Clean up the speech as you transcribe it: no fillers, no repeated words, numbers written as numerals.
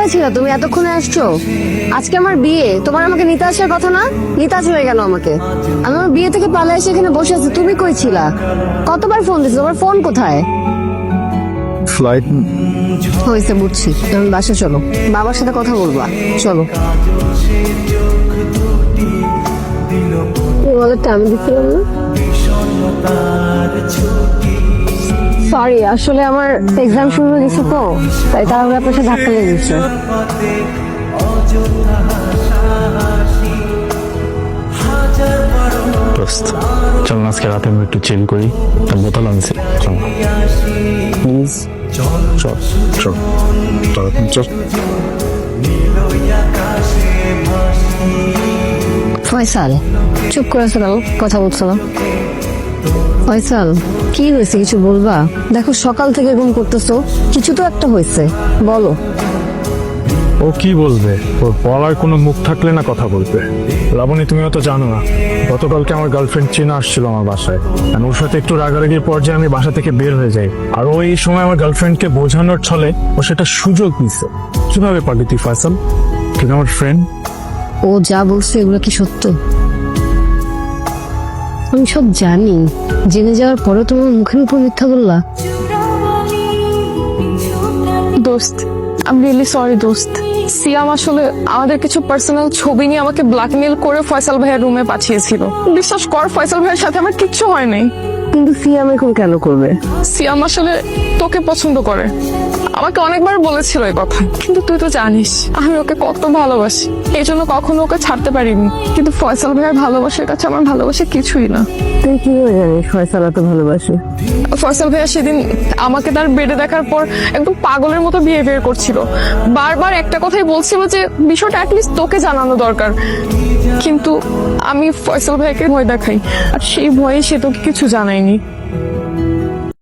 কোথায় ছিল তুমি? এতক্ষণে আসছো? আজকে আমার বিয়ে, তোমার আমাকে নিতে আসার কথা না? নিতে আসবে কেন আমাকে? আমি আমার বিয়ে থেকে পালিয়ে এসে এখানে বসে আছি, তুমি কই ছিলা? কতবার ফোন দিছো, তোমার ফোন কোথায়? ফ্লাইট হয়েছে, বুঝছি। তুমি বাসা চলো, বাবার সাথে কথা বলবা, চলো। ওয়ালেটটা আমি দিচ্ছিলাম না। সরি, আসলে আমার এক্সাম শুরু হয়ে গেছে তো, তাই তাহলে আপনার সাথে ধাক্কা লেগে গেছে। দোস্ত, চল না আজকে রাতে আমরা একটু চিল করি। তার বোতল আনছি, চল প্লিজ। চল চল চল চল। ফয়সাল, চুপ করে আছো কেন? কথা বলছো না? ফয়সাল, কি হয়েছে কিছু বলবা? দেখো সকাল থেকে ঘুম করতেছো, কিছু তো একটা হয়েছে, বলো। ও কি বলবে? ওর বলার কোনো মুখ থাকলে না কথা বলবে। লাবণী, তুমিও তো জানো না, গতকালকে আমার গার্লফ্রেন্ড চিনা আসছিল আমার বাসায়। আর ওর সাথে একটু রাগারাগির পর্যায়ে আমি বাসা থেকে বের হয়ে যাই। আর ওই সময় আমার গার্লফ্রেন্ডকে বোঝানোর ছলে ও সেটা সুযোগ নিছে। কিভাবে পারলি তুই ফয়সাল? তুই আমার ফ্রেন্ড। ও যা বলছে এগুলো কি সত্য? আমি সব জানি, জেনে যাওয়ার পরে তোমার মুখের উপর মিথ্যা বললা। দোস্ত, আমি রিয়েলি সরি দোস্ত। সিয়াম আসলে আমাদের কিছু পার্সোনাল ছবি নিয়ে আমাকে ব্ল্যাকমেল করে ফয়সাল ভাইয়ের রুমে পাঠিয়েছিল। বিশ্বাস কর, ফয়সাল ভাইয়ের সাথে আমার কিচ্ছু হয় নাই। কিন্তু সিয়াম এখন কেন করবে? সিয়াম আসলে তোকে পছন্দ করে, আমাকে অনেকবার বলেছিল এই কথা। কিন্তু তুই তো জানিস আমি ওকে কত ভালোবাসি, এই জন্য কখনো ওকে ছাড়তে পারিনি। কিন্তু ফয়সাল ভাইয়ের ভালোবাসার কাছে আমার ভালোবাসা কিছুই না। তুই কিভাবে জানিস ফয়সাল এত ভালোবাসে? ফয়সাল ভাইয়া সেদিন আমাকে তার বেডে দেখার পর একদম পাগলের মতো বিহেভিয়ার করছিল। বারবার একটা কথাই বলছিল যে বিষয়টা অ্যাটলিস্ট তোকে জানানো দরকার। কিন্তু আমি ফয়সাল ভাইকে ভয় দেখাই, আর সেই ভয়ে সে তোকে কিছু জানায়নি।